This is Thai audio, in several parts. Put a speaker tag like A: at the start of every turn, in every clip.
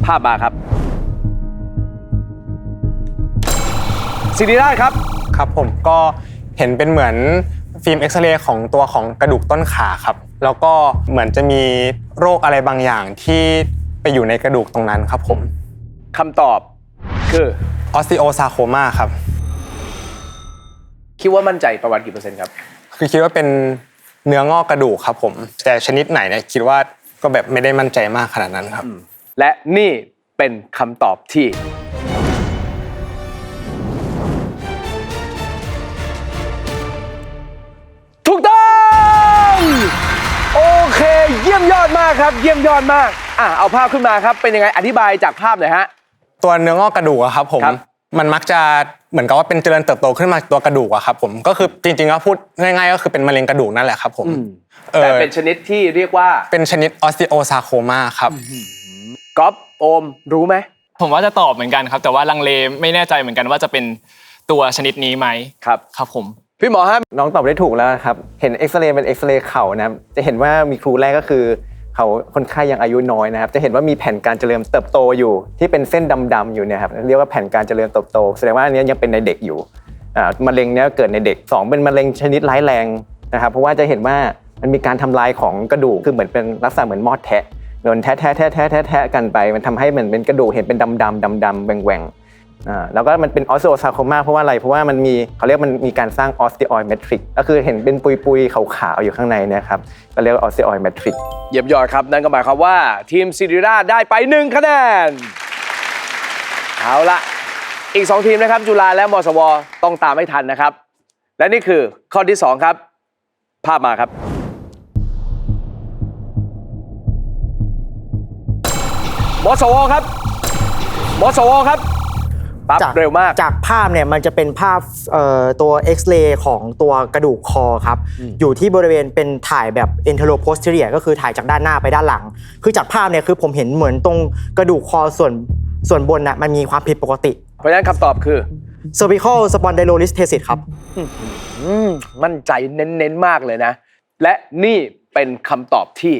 A: ภาพมาครับศิริราชครับ
B: ครับผมก็เห็นเป็นเหมือนฟิล์มเอ็กซเรย์ของตัวของกระดูกต้นขาครับแล้วก็เหมือนจะมีโรคอะไรบางอย่างที่ไปอยู่ในกระดูกตรงนั้นครับผม
A: คำตอบคือ
B: ออสติโอซาร์โคมาครับ
A: คิดว่ามั่นใจประมาณกี่เปอร์เซ็นต์ครับ
B: คือคิดว่าเป็นเนื้องอกกระดูกครับผมแต่ชนิดไหนเนี่ยคิดว่าก็แบบไม่ได้มั่นใจมากขนาดนั้นครับ
A: และนี่เป็นคำตอบที่ถูกต้องโอเคเยี่ยมยอดมากครับเยี่ยมยอดมากเอาภาพขึ้นมาครับเป็นยังไงอธิบายจากภาพหน่อยฮะ
B: ตัวเนื้องอกกระดูกอะครับผมมันมักจะเหมือนกับว่าเป็นเจริญเติบโตขึ้นมาตัวกระดูกอะครับผมก็คือจริงๆแล้วพูดง่ายๆก็คือเป็นมะเร็งกระดูกนั่นแหละครับผม
A: แต่เป็นชนิดที่เรียกว่า
B: เป็นชนิดออสติโอซาร์โคมาครับ
A: ก๊อฟโอมรู้ไหม
C: ผมว่าจะตอบเหมือนกันครับแต่ว่าลังเลไม่แน่ใจเหมือนกันว่าจะเป็นตัวชนิดนี้ไหมครับผม
A: พี่หมอฮะ
D: น้องตอบได้ถูกแล้วครับเห็นเอ็กซเรย์เป็นเอ็กซเรย์เข่านะครับจะเห็นว่ามีครูแรกก็คือเขาคนไข้ยังอายุน้อยนะครับจะเห็นว่ามีแผ่นการเจริญเติบโตอยู่ที่เป็นเส้นดำๆอยู่เนี่ยครับเรียกว่าแผ่นการเจริญเติบโตแสดงว่าอันนี้ยังเป็นในเด็กอยู่มะเร็งเนี้ยเกิดในเด็ก2เป็นมะเร็งชนิดร้ายแรงนะครับเพราะว่าจะเห็นว่ามันมีการทำลายของกระดูกคือเหมือนเป็นลักษณะเหมือนมอดแทะโดนแทะกันไปมันทำให้เหมือนเป็นกระดูกเห็นเป็นดำแหว่งแล้วก็มันเป็นออสติโอซาร์โคมาเพราะว่าอะไรเพราะว่ามันมีเขาเรียกมันมีการสร้างออสติออยด์แมทริกก็คือเห็นเป็นปุยๆขาวๆอยู่ข้างในนะครับก็เรียกว่าออสติออยด์แมทริก
A: เยี่ยมยอดครับนั่นก็หมายความว่าทีมศิริราชได้ไป1คะแนนเอาละอีก2ทีมนะครับจุฬาและมศวต้องตามให้ทันนะครับและนี่คือข้อที่2ครับภาพมาครับมศวครับมศวครับปั๊บเร็วมาก
E: จากภาพเนี่ยมันจะเป็นภาพตัวเอ็กซเรย์ของตัวกระดูกคอครับอยู่ที่บริเวณเป็นถ่ายแบบ anteroposterior ก็คือถ่ายจากด้านหน้าไปด้านหลังคือจากภาพเนี่ยคือผมเห็นเหมือนตรงกระดูกคอส่วนบนน่ะมันมีความผิดปกติ
A: เพราะฉะนั้นคำตอบคือ
E: cervical spondylolisthesis ครับ
A: มั่นใจเน้นๆมากเลยนะและนี่เป็นคำตอบที่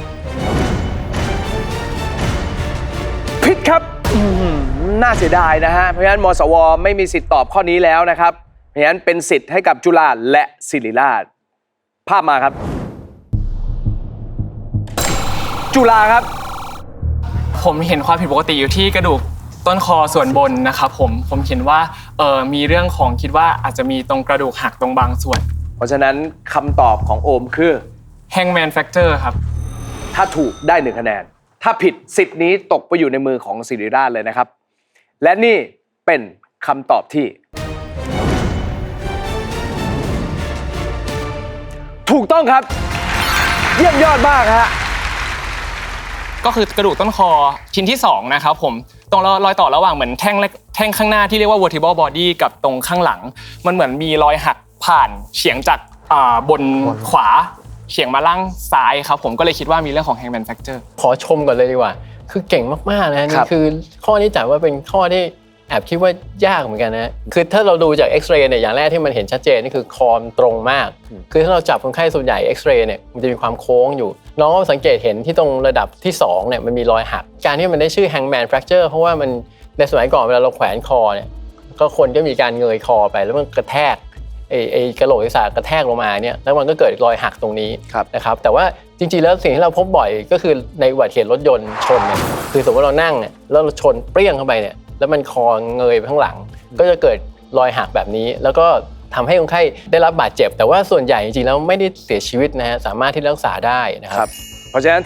A: ผิดครับน่าเสียดายนะฮะเพราะฉะนั้นมศวไม่มีสิทธิ์ตอบข้อนี้แล้วนะครับเพราะฉะนั้นเป็นสิทธิ์ให้กับจุฬาและศิริราชภาพมาครับจุฬาครับ
C: ผมเห็นความผิดปกติอยู่ที่กระดูกต้นคอส่วนบนนะครับผมเห็นว่ามีเรื่องของคิดว่าอาจจะมีตรงกระดูกหักตรงบางส่วน
A: เพราะฉะนั้นคำตอบของโอมคือ
C: Hangman Fracture ครับ
A: ถ้าถูกได้1คะแนนถ้าผิดสิทธิ์นี้ตกไปอยู่ในมือของศิริราชเลยนะครับและนี่เป็นคำตอบที่ถูกต้องครับเยี่ยมยอดมากฮะ
C: ก็คือกระดูกต้นคอชิ้นที่2นะครับผมตรงรอยต่อระหว่างเหมือนแท่งข้างหน้าที่เรียกว่า vertebral body กับตรงข้างหลังมันเหมือนมีรอยหักผ่านเฉียงจากบนขวาเฉียงมาล่างซ้ายครับผมก็เลยคิดว่ามีเรื่องของ Hangman Fracture
F: ขอชมก่อนเลยดีกว่าคือเก่งมากๆนะนี่คือข้อนี้จัดว่าเป็นข้อที่แอบคิดว่ายากเหมือนกันนะคือถ้าเราดูจากเอ็กซเรย์เนี่ยอย่างแรกที่มันเห็นชัดเจนนี่คือคอมตรงมากคือถ้าเราจับคนไข้ส่วนใหญ่เอ็กซเรย์เนี่ยมันจะมีความโค้งอยู่น้องก็สังเกตเห็นที่ตรงระดับที่2เนี่ยมันมีรอยหักการที่มันได้ชื่อ Hangman Fracture เพราะว่ามันในสมัยก่อนเวลาเราแขวนคอเนี่ยก็คนก็มีการเงยคอไปแล้วมันกระแทกไอ้กระโหลกศีรษะกระแทกลงมาเนี่ยแล้วมันก็เกิดรอยหักตรงนี้นะครับแต่ว่าจริงๆแล้วสิ่งที่เราพบบ่อยก็คือในอุบัติเหตุรถยนต์ชนเนี่ยคือสมมติเรานั่งเนี่ยแล้วเราชนเปรี้ยงเข้าไปเนี่ยแล้วมันคอเงยไปข้างหลังก็จะเกิดรอยหักแบบนี้แล้วก็ทำให้คนไข้ได้รับบาดเจ็บแต่ว่าส่วนใหญ่จริงๆแล้วไม่ได้เสียชีวิตนะฮะสามารถที่รักษาได้นะครับ
A: เพราะฉะนั้น